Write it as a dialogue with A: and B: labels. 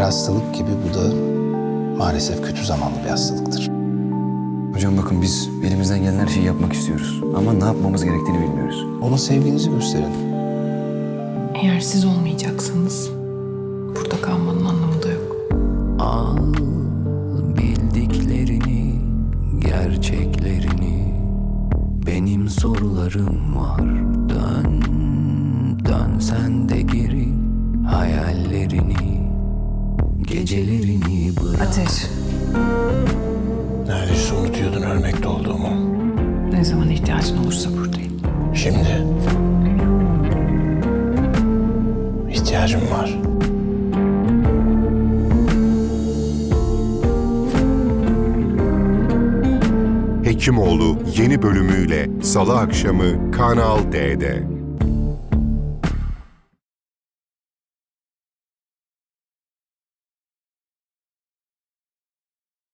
A: hastalık gibi bu da maalesef kötü zamanlı bir hastalıktır.
B: Hocam bakın biz elimizden gelen her şeyi yapmak istiyoruz. Ama ne yapmamız gerektiğini bilmiyoruz.
A: Ona sevginizi gösterin.
C: Eğer siz olmayacaksanız burada kalmanın anlamı da yok.
D: Al bildiklerini, gerçeklerini. Benim sorularım var. Dön, dön sen de geri. Hayallerini, gecelerini bırak.
C: Ateş,
A: Neredeyse unutuyordun ölmekte olduğumu.
C: ne zaman ihtiyacın olursa buradayım.
A: Şimdi ihtiyacım var.
E: Hekimoğlu yeni bölümüyle Salı akşamı Kanal D'de.